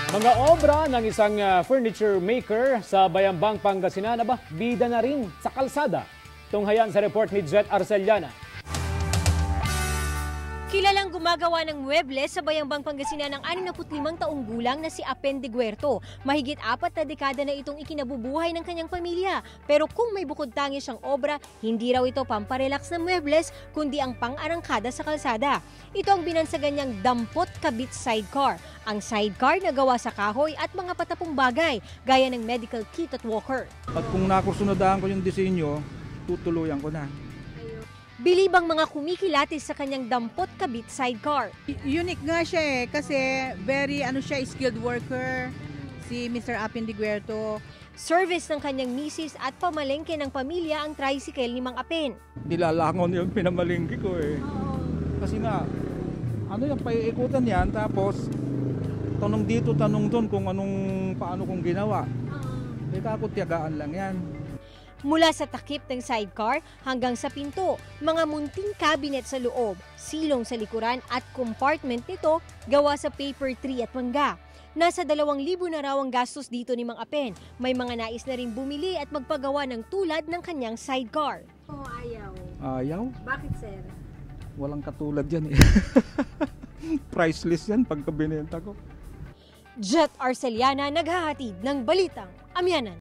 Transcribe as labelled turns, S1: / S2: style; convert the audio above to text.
S1: Mga obra ng isang furniture maker sa Bayambang, Pangasinan, bida na rin sa kalsada. Tunghayan sa report ni Jet Arceliana.
S2: Kilalang gumagawa ng muebles sa Bayambang, Pangasinan ng 65 taong gulang na si Apen de Guerto. Mahigit 4 na dekada na itong ikinabubuhay ng kanyang pamilya. Pero kung may bukod tangi siyang obra, hindi raw ito pamparelax na muebles, kundi ang pang-arangkada sa kalsada. Ito ang binansagan niyang dampot kabit sidecar. Ang sidecar na gawa sa kahoy at mga patapong bagay, gaya ng medical kit at walker.
S3: At kung nakursunodaan ko yung disenyo, tutuluyan ko na.
S2: Bilibang mga kumikilatis sa kanyang dampot kabit sidecar.
S4: Unique nga siya kasi very skilled worker si Mr. Apen de Guerto.
S2: Service ng kanyang misis at pamalengke ng pamilya ang tricycle ni Mang Apen.
S3: Nilalangon yung pinamalingki ko eh. Kasi nga, yung paiikutan yan, tapos tanong dito, tanong doon kung paano kong ginawa. Kakutiyagaan lang yan.
S2: Mula sa takip ng sidecar hanggang sa pinto, mga munting cabinet sa loob, silong sa likuran at compartment nito gawa sa paper tree at mangga. Nasa 2,000 na raw ang gastos dito ni Mang Apen. May mga nais na rin bumili at magpagawa ng tulad ng kanyang sidecar.
S5: Oh, ayaw.
S3: Ayaw?
S5: Bakit, sir?
S3: Walang katulad yan eh. Priceless yan pagka binenta ko.
S2: Jet Arceliana, naghahatid ng Balitang Amyanan.